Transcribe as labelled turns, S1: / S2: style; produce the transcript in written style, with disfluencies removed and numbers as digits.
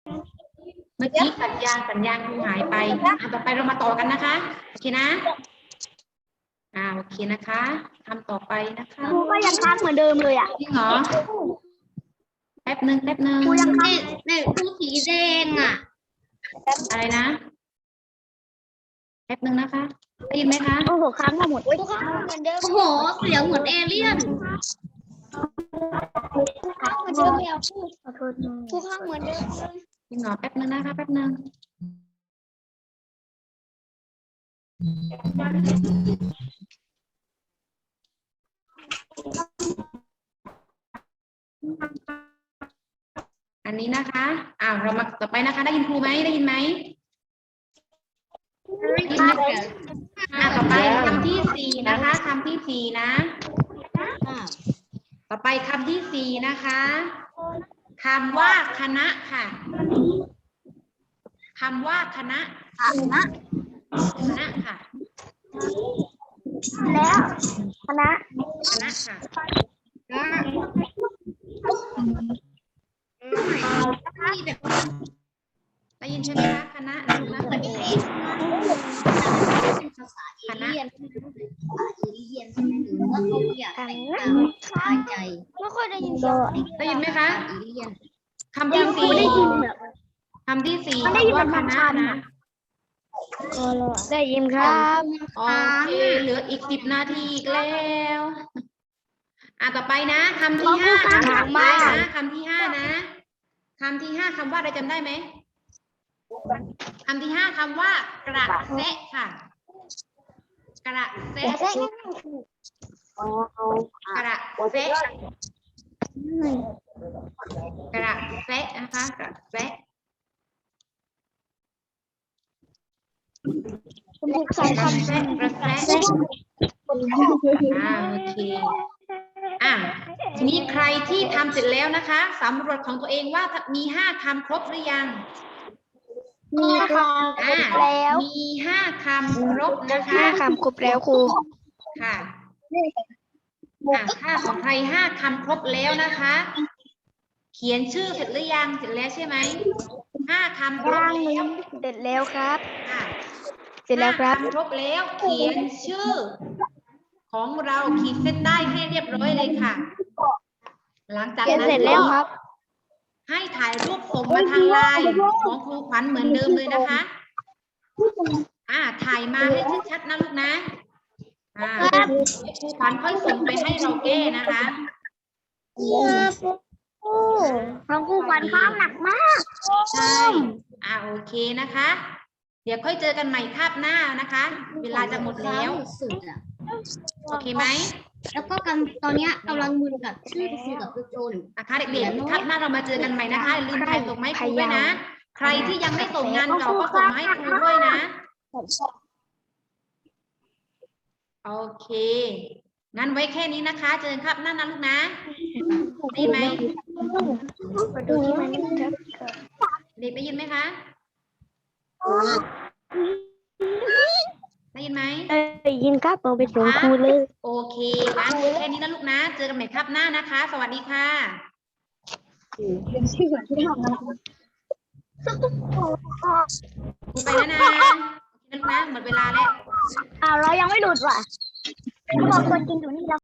S1: เมื่อกี้สัญญาณครูหายไปต่อไปเรามาต่อกันนะคะโอเคนะโอเคนะคะทำต่อไปนะคะ
S2: ครูก็ยังค้างเหมือนเดิมเลยอ่ะ
S1: จริงเหรอแป๊บหนึ่ง
S2: ครูยังค้าง
S3: ในครูสีแดงอ่ะ
S1: อะไรนะแป๊บหนึ่งนะคะได้ยินไหมคะ
S2: โอ้โหค้างมาหมด
S3: เหมือนเดิมโอ้โหเสียงเหมือนเอเลี่ยน
S2: ค้างเหมือนเดิมแล้วขอโทษ
S3: ครูข้างเหมือนเดิมเลย
S1: จริงเหรอแป๊บหนึ่งนะคะแป๊บหนึ่งอันนี้นะคะเรามาต่อไปนะคะ ได้ยินครูไหมได้ยินไหมต่อไปคำที่สี่นะคะคำที่สี่นะต่อไปคำที่สี่นะคะคำว่าคณะค่ะคำว่าคณะค่ะ
S2: แล้วคณะ
S1: ค่ะได้ยินใช่ไหมคะคณะนะลูกนะ
S3: เหมือนเอเลี่ยนภาษาเอเลี่ยนใช่ไหมหรือว่าเขาอยากแต่งตามสบายใจ
S2: ไม่ค่อยได้ยินเสียง
S1: ได้ยินไหมคะ
S3: เอเลี่ยน
S1: คำที่สี่
S2: ได้ยินแบบ
S1: คำที่สี่
S2: มันได้ยิน
S1: คำว่า
S2: เป็น
S1: คณะ
S2: คำๆ
S1: นะ
S2: ได้ยินครับ
S1: โอเคเหลืออีก10 นาทีอีกแล้วต่อไปนะคำที่ห้าคำถัดไปนะคำที่ห้านะคำที่ห้าคำว่าอะไรจำได้ไหมคำที่ห้าคำว่ากระแสะค่ะ กระแสะกระแสะกระแสะนะคะกระแสะ
S2: คุณครูใช้คำ
S1: กระแสโอเคทีนี้ใครที่ทำเสร็จแล้วนะคะสำรวจของตัวเองว่ามี5 คำครบหรือยัง
S2: มีคำแล้ว
S1: มี5 คำครบนะคะ
S2: คำครบแล้วครู
S1: ค่ะถ้าของใคร5 คำครบแล้วนะคะ เขียนชื่อเสร็จหรือยังเสร็จแล้วใช่ไหม5 คำครบแล้ว
S2: เสร็จแล้วครับ
S1: ค่ะ
S2: เสร็จแล้วครับ
S1: 5 คำครบแล้วเขียนชื่อ ของเราขีดเส้นใต้ให้เรียบร้อยเลยค่ะ หลังจาก
S2: เขียน
S1: นั้
S2: เสร็จ
S1: น
S2: แล้ว
S1: ก็
S2: ครับ
S1: ให้ถ่ายรูปส่งมาทางไลน์ของครูขวัญเหมือนเดิมเลยนะคะถ่ายมาให้ชัดๆนะลูกนะครูขวัญค่อยส่งไปให้เราแก้นะคะ
S2: ของครูขวัญค้างหนักมาก
S1: ใช่โอเคนะคะ เดี๋ยวค่อยเจอกันใหม่คาบหน้านะคะ เวลาจะหมดแล้ว
S3: สุดอ่ะ
S1: โอเคไหม
S3: แล้วก็ตอนเนี้ยกำลังมึนกับชื่อครูกับครูโจน
S1: นะคะเด็กๆคาบหน้าเรามาเจอกันใหม่นะคะอย่าลืมถ่ายส่งมาให้ครูด้วยนะ ใครที่ยังไม่ส่งงานเก่าก็ส่งมาให้ครูด้วยนะ โอเค งั้นไว้แค่นี้นะคะ เจอกันครับหน้านะลูกนะได้ยินไหม
S2: มาดูที่มันครับ
S1: เด็กได้ยินไหมคะ ได้ยินไหม
S2: ได้ยินครับเราไปส่งครูเลย
S1: โอเคงั้นแค่นี้นะลูกนะ เจอกันใหม่ครับหน้านะคะ สวัสดีค่ะครูไปแล้วนะโอเคนะลูกนะหมดเวลาแล้ว
S2: เรายังไม่หลุดว่ะเขาบอกตัวจริงอยู่นี่แล้ว